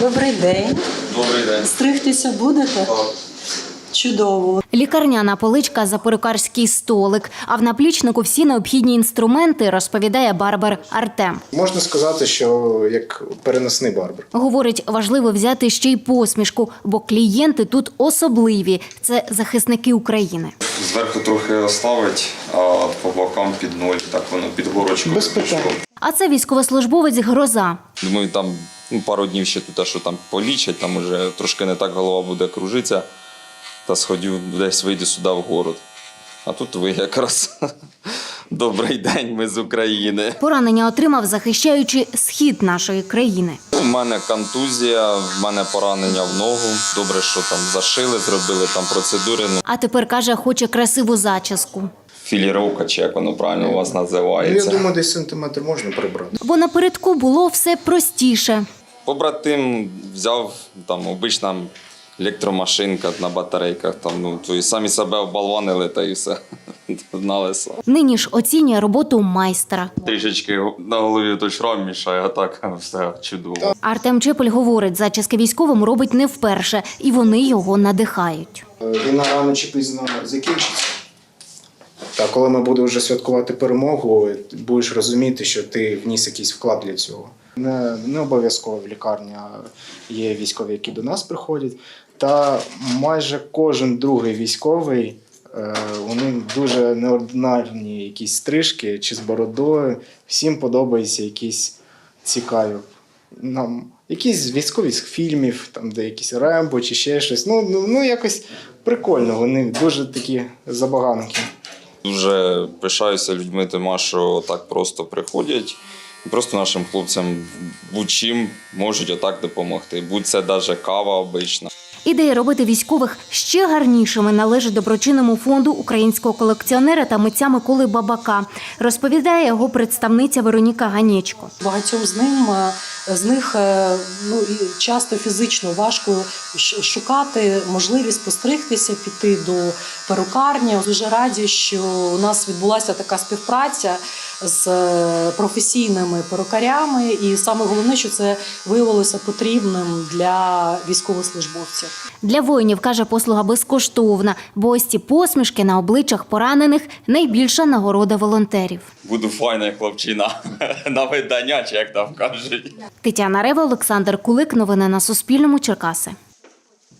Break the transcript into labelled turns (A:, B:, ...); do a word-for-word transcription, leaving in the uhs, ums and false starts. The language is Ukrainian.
A: Добрий день.
B: Добрий день.
A: Стригтися будете?
B: Так.
A: Чудово.
C: Лікарняна поличка за перукарський столик, а в наплічнику всі необхідні інструменти, розповідає барбер Артем.
D: Можна сказати, що як переносний барбер.
C: Говорить, важливо взяти ще й посмішку, бо клієнти тут особливі – це захисники України.
B: Зверху трохи оставить, а по бокам під ноль, так воно під горочку.
D: Без питань.
C: А це військовослужбовець Гроза.
B: Думаю, там ну, пару днів ще тут, що там полічать, там уже трошки не так голова буде кружитися. Та сходив десь вийду сюди в город. А тут ви якраз добрий день, ми з України.
C: Поранення отримав, захищаючи схід нашої країни.
B: У мене контузія, в мене поранення в ногу. Добре, що там зашили, зробили там процедури. Ну,
C: А тепер, каже, хоче красиву зачіску.
B: філіровка, чи як воно правильно у вас
D: Ну,
B: називається.
D: я думаю, десь сантиметр можна прибрати.
C: Бо напередку було все простіше.
B: Побратим взяв, там, обична електромашинка на батарейках, там, ну, то і самі себе оболванили, та і все на лесо.
C: Нині ж оцінює роботу майстра.
B: Трішечки на голові той шрам мішає, а так все чудово.
C: Артем Чепель говорить, зачіски військовим робить не вперше, і вони його надихають.
D: Війна рано чи пізно закінчиться. Та коли ми будемо вже святкувати перемогу, будеш розуміти, що ти вніс якийсь вклад для цього. Не, не обов'язково в лікарні є військові, які до нас приходять. Та майже кожен другий військовий, е, у них дуже неординарні якісь стрижки чи з бородою. Всім подобаються якісь цікаві. Нам якісь військові з фільмів, там де якісь Рембо чи ще щось. Ну, ну, ну якось прикольно, вони дуже такі забаганки.
B: Дуже пишаюся людьми, тому що так просто приходять. І просто нашим хлопцям будь-чим можуть отак допомогти. Будь це навіть кава обична.
C: Ідея робити військових ще гарнішими належить доброчинному фонду українського колекціонера та митця Миколи Бабака, розповідає його представниця Вероніка Ганечко.
A: Багатьом з ним з них ну, часто фізично важко шукати можливість постригтися, піти до перукарні. Дуже раді, що у нас відбулася така співпраця з професійними перукарями, і саме головне, що це виявилося потрібним для військовослужбовців.
C: Для воїнів, каже, послуга безкоштовна, бо ось ці посмішки на обличчях поранених – найбільша нагорода волонтерів.
B: Буду файна хлопчина на видання, чи як там кажуть.
C: Тетяна Рева, Олександр Кулик. Новини на Суспільному. Черкаси.